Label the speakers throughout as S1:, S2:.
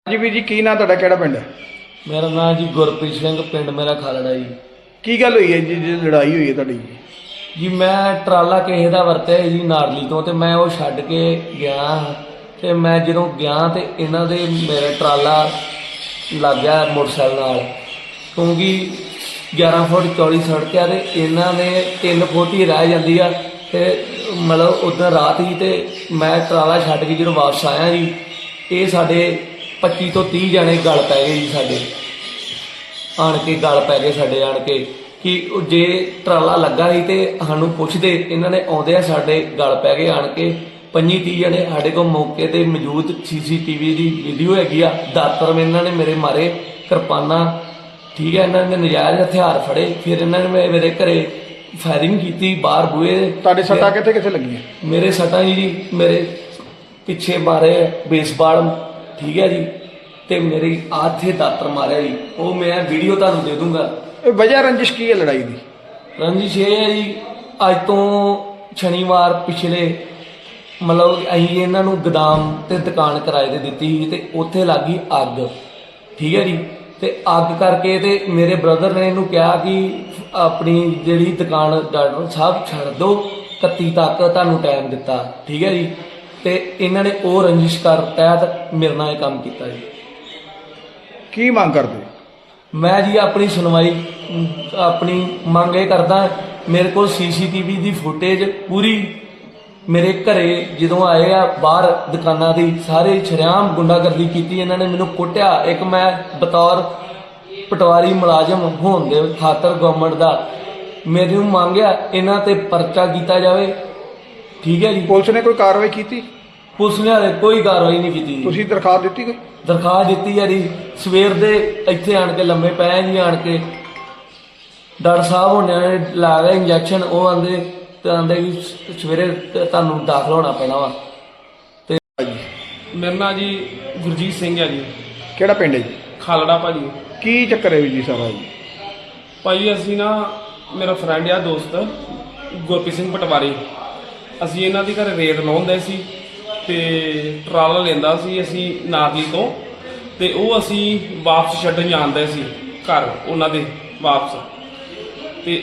S1: ਜੀ ਵੀਰ ਜੀ ਕੀ ਨਾਂ ਤੁਹਾਡਾ, ਕਿਹੜਾ ਪਿੰਡ ਹੈ?
S2: मेरा नाम जी गुरप्रीत सिंह, पिंड मेरा खालड़ा जी।
S1: ਕੀ ਗੱਲ ਹੋਈ ਹੈ ਜੀ ਜਿਹੜੀ ਲੜਾਈ ਹੋਈ ਹੈ ਤੁਹਾਡੀ?
S2: जी मैं ट्राला किसी का वरत्या जी नारली तो ते मैं वो छड्ड के गया ते मैं ਜਦੋਂ ਗਿਆ ਤੇ ਇਹਨਾਂ ਦੇ मेरा ट्राला ਲੱਗ ਗਿਆ मोटरसाइकिल नाल, क्योंकि 11 फुट चौड़ी सड़क है ते ਇਹਨਾਂ ने 3 फुट ही रह जाती है ते मतलब उधर रात ही ते मैं ट्राला छड्ड के जो वापस आया जी, ये साढ़े 25 ਤੋਂ 30 जने गल पै गए जी साढ़े आन के गल पै गए साढ़े आन के कि जे ट्राला लगा ही तो सानू पुछते, इन्होंने आउंदे साढ़े गल पै गए आन के 25-30 जने साढ़े को मौके पर मौजूद CCTV की वीडियो हैगी आ। दातर इन्होंने मेरे मारे, किरपाना, ठीक है, इन्होंने नजायज़ हथियार फड़े, फिर इन्होंने मेरे घरे फायरिंग की बाहर बूहे।
S1: ਤੁਹਾਡੇ ਸੱਟਾਂ ਕਿੱਥੇ कित्थे ਲੱਗੀਆਂ?
S2: मेरे सट्टां जी मेरे पिछे मारे बेसबाल, ठीक है जी, ते मेरी आथे दातर मारे जी, वो मैं वीडियो तुहानू दे दूंगा।
S1: ਇਹ ਵਜ੍ਹਾ ਰੰजिश ਕੀ ਹੈ ਲੜਾਈ ਦੀ?
S2: रंजिश ये है जी, अज तो शनिवार पिछले मतलब असीं इन्हां नूं गोदाम ते दुकान किराए ते दित्ती सी ते उत्थे लग गई अग, ठीक है जी, ते अग करके ते मेरे ब्रदर ने इहनूं कहा कि अपनी जिहड़ी दुकान डॉक्टर साहब छड्ड दो, 31 तक तुहानूं टाइम दित्ता, ठीक है जी, ते इन्हां ने वो रंजिश कर तहत मेरे नाल काम कीता जी।
S1: ਕੀ ਮੰਗ ਕਰਦੇ?
S2: मैं जी अपनी सुनवाई अपनी मंग ये करदा, मेरे को CCTV की फुटेज पूरी मेरे घरे जो आए आ बाहर दुकाना की सारे शरेआम गुंडागर्दी की, इन्होंने मैनू कुटिया। एक मैं बतौर पटवारी मुलाजम होने के खातर गवर्नमेंट का मेरे मंगया इन्हां ते परचा किया जाए, ठीक है जी।
S1: ਪੁਲਿਸ ਨੇ ਕੋਈ ਕਾਰਵਾਈ ਕੀਤੀ?
S2: पुलिस ने हाले कोई कार्रवाई नहीं की।
S1: ਤੁਸੀਂ ਦਰਖਾਸਤ ਦਿੱਤੀ ਕੋਈ?
S2: दरखास्त दी है जी, सवेर दे इत्थे आन के लम्बे पै जी, आन के डॉक्टर साहब होने ने ला गए इंजैक्शन, वो आंदे कि सवेरे तुहानूं दाखल होना पैना वा।
S3: मेरा नाम जी गुरजीत सिंह है जी,
S1: ਕਿਹੜਾ ਪਿੰਡ ਹੈ ਜੀ?
S3: खालड़ा भाजी।
S1: ਕੀ ਚੱਕਰ ਹੈ ਜੀ ਸਾਰਾ ਜੀ?
S3: भाजी असी ना मेरा फ्रेंड आ दोस्त गुरप्रीत सिंह पटवारी, असी इन्हां दी घर रेत लाउंदे सी ते ट्राला लेंदा सी असी नारली तो, ते वो असी वापस छड्डण जांदे सी घर उन्हां दे वापस। ते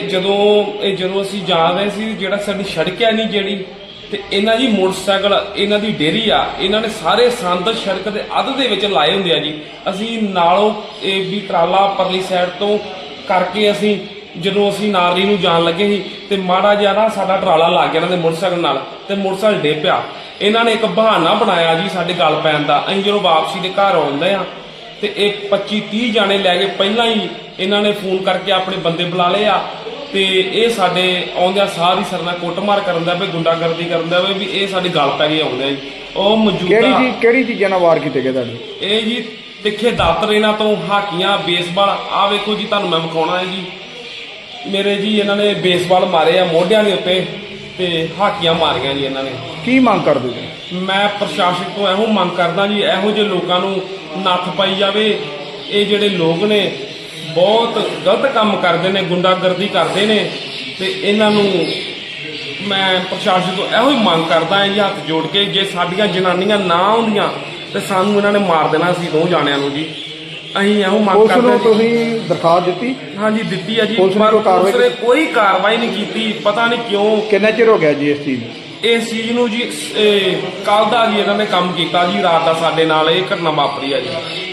S3: ਜਦੋਂ ਅਸੀਂ ਜਾ ਰਹੇ ਸੀ, ਜਿਹੜਾ ਸਾਡੀ ਸੜਕ ਹੈ ਨਹੀਂ ਜਿਹੜੀ, ਤੇ ਇਹਨਾਂ ਜੀ ਮੋਟਰਸਾਈਕਲ ਇਹਨਾਂ ਦੀ ਡੇਰੀ ਆ, ਇਹਨਾਂ ਨੇ ਸਾਰੇ ਸੰਦ ਸੜਕ ਦੇ ਅੱਧ ਦੇ ਵਿੱਚ ਲਾਏ ਹੁੰਦੇ ਆ ਜੀ। ਅਸੀਂ ਨਾਲੋਂ ਇਹ ਵੀ ਟਰਾਲਾ ਪਰਲੀ ਸਾਈਡ ਤੋਂ ਕਰਕੇ ਅਸੀਂ ਜਦੋਂ ਅਸੀਂ ਨਾਰਲੀ ਨੂੰ ਜਾਣ ਲੱਗੇ ਸੀ ਤੇ ਮਾੜਾ ਜਿਹਾ ਨਾ ਸਾਡਾ ਟਰਾਲਾ ਲੱਗ ਗਿਆ ਇਹਨਾਂ ਦੇ ਮੋਟਰਸਾਈਕਲ ਨਾਲ, ਤੇ ਮੋਟਰਸਾਈਕਲ ਡੇ ਪਿਆ। ਇਹਨਾਂ ਨੇ ਇੱਕ ਬਹਾਨਾ ਬਣਾਇਆ ਜੀ ਸਾਡੇ ਗੱਲ ਪੈਣ ਦਾ। ਅਸੀਂ ਜਦੋਂ ਵਾਪਸੀ ਦੇ ਘਰ ਆਉਂਦੇ ਆ ਤੇ ਇਹ 25-30 ਜਾਣੇ ਲੈ ਕੇ ਪਹਿਲਾਂ ਹੀ ਇਹਨਾਂ ਨੇ ਫੋਨ ਕਰਕੇ ਆਪਣੇ ਬੰਦੇ ਬੁਲਾ ਲਏ ਆ, ਤੇ ਇਹ ਸਾਡੇ ਆਉਂਦਿਆਂ ਸਾਰੀ ਸਰਨਾ ਕੁੱਟਮਾਰ ਕਰਨ ਦਾ ਵੀ, ਗੁੰਡਾਗਰਦੀ ਕਰਨ ਦਾ ਵੀ ਇਹ ਸਾਡੇ ਗੱਲ ਪੈ ਗਏ ਆਉਂਦੇ ਆ ਜੀ। ਉਹ ਮੌਜੂਦਾ
S1: ਕਿਹੜੀ ਚੀਜ਼ਾਂ ਨਾਲ ਵਾਰ ਕੀਤੇ ਗਏ ਤੁਹਾਡੇ?
S3: ਇਹ ਜੀ ਤਿੱਖੇ ਦਾਤਰ ਇਹਨਾਂ ਤੋਂ, ਹਾਕੀਆਂ, ਬੇਸਬਾਲ, ਆ ਵੇਖੋ ਜੀ ਤੁਹਾਨੂੰ ਮੈਂ ਵਿਖਾਉਣਾ ਹੈ ਜੀ। ਮੇਰੇ ਜੀ ਇਹਨਾਂ ਨੇ ਬੇਸਬਾਲ ਮਾਰੇ ਆ ਮੋਢਿਆਂ ਦੇ ਉੱਤੇ ਤੇ ਹਾਕੀਆਂ ਮਾਰੀਆਂ ਜੀ ਇਹਨਾਂ ਨੇ।
S1: ਕੀ ਮੰਗ ਕਰਦੇ ਜੀ?
S3: ਮੈਂ ਪ੍ਰਸ਼ਾਸਨ ਤੋਂ ਇਹੋ ਮੰਗ ਕਰਦਾ ਜੀ, ਇਹੋ ਜਿਹੇ ਲੋਕਾਂ ਨੂੰ ਨੱਥ ਪਾਈ ਜਾਵੇ। ਇਹ ਜਿਹੜੇ ਲੋਕ ਨੇ ਬਹੁਤ ਗਲਤ ਕੰਮ ਕਰਦੇ ਨੇ, ਗੁੰਡਾਗਰਦੀ ਕਰਦੇ ਨੇ, ਤੇ ਇਹਨਾਂ ਨੂੰ ਮੈਂ ਪ੍ਰਸ਼ਾਸਨ ਤੋਂ ਇਹੋ ਹੀ ਮੰਗ ਕਰਦਾ ਹਾਂ ਜੀ, ਹੱਥ ਜੋੜ ਕੇ, ਜੇ ਸਾਡੀਆਂ ਜਨਾਨੀਆਂ ਨਾ ਆਉਂਦੀਆਂ ਤੇ ਸਾਨੂੰ ਇਹਨਾਂ ਨੇ ਮਾਰ ਦੇਣਾ ਸੀ ਦੋ ਜਾਣਿਆਂ ਨੂੰ ਜੀ। ਅਸੀਂ ਇਹੋ ਮੰਗ ਕਰਦੇ ਹਾਂ।
S1: ਤੁਸੀਂ ਦਰਖਾਸਤ ਦਿੱਤੀ?
S3: ਹਾਂਜੀ ਦਿੱਤੀ ਹੈ ਜੀ,
S1: ਪੁਲਿਸ
S3: ਨੇ ਕੋਈ ਕਾਰਵਾਈ ਨਹੀਂ ਕੀਤੀ, ਪਤਾ ਨਹੀਂ ਕਿਉਂ।
S1: ਕਿੰਨਾ ਚਿਰ ਹੋ ਗਿਆ ਜੀ ਇਸ ਚੀਜ਼ ਨੂੰ?
S3: ਇਸ ਚੀਜ਼ ਨੂੰ ਜੀ ਕੱਲ ਦਾ ਜੀ ਇਹਨਾਂ ਨੇ ਕੰਮ ਕੀਤਾ ਜੀ, ਰਾਤ ਦਾ ਸਾਡੇ ਨਾਲ ਇਹ ਘਟਨਾ ਵਾਪਰੀ ਆ ਜੀ।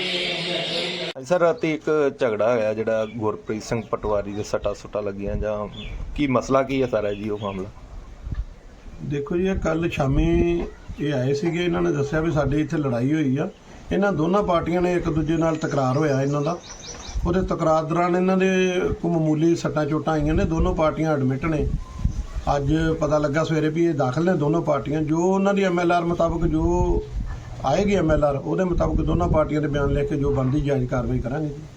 S4: ਸਰ ਰਾਤੀ ਇੱਕ ਝਗੜਾ ਹੋਇਆ ਜਿਹੜਾ ਗੁਰਪ੍ਰੀਤ ਸਿੰਘ ਪਟਵਾਰੀ ਦੇ ਸੱਟਾਂ ਲੱਗੀਆਂ, ਜਾਂ ਕੀ ਮਸਲਾ ਕੀ ਹੈ ਸਾਰਾ ਜੀ ਉਹ ਮਾਮਲਾ?
S5: ਦੇਖੋ ਜੀ, ਇਹ ਕੱਲ ਸ਼ਾਮੀ ਇਹ ਆਏ ਸੀਗੇ, ਇਹਨਾਂ ਨੇ ਦੱਸਿਆ ਵੀ ਸਾਡੇ ਇੱਥੇ ਲੜਾਈ ਹੋਈ ਆ। ਇਹਨਾਂ ਦੋਨਾਂ ਪਾਰਟੀਆਂ ਨੇ ਇੱਕ ਦੂਜੇ ਨਾਲ ਤਕਰਾਰ ਹੋਇਆ ਇਹਨਾਂ ਦਾ। ਉਹਦੇ ਤਕਰਾਰ ਦੌਰਾਨ ਇਹਨਾਂ ਦੇ ਕੋਈ ਮਾਮੂਲੀ ਸੱਟਾਂ ਚੋਟਾਂ ਆਈਆਂ ਨੇ। ਦੋਨੋਂ ਪਾਰਟੀਆਂ ਐਡਮਿਟ ਨੇ। ਅੱਜ ਪਤਾ ਲੱਗਾ ਸਵੇਰੇ ਵੀ ਇਹ ਦਾਖਲ ਨੇ ਦੋਨੋਂ ਪਾਰਟੀਆਂ। ਜੋ ਉਹਨਾਂ ਦੀ MLR ਮੁਤਾਬਕ ਜੋ ਆਏਗੀ MLR, ਉਹਦੇ ਮੁਤਾਬਕ ਦੋਨਾਂ ਪਾਰਟੀਆਂ ਦੇ ਬਿਆਨ ਲੈ ਕੇ ਜੋ ਬਣਦੀ ਜਾਇਜ਼ ਕਾਰਵਾਈ ਕਰਾਂਗੇ ਜੀ।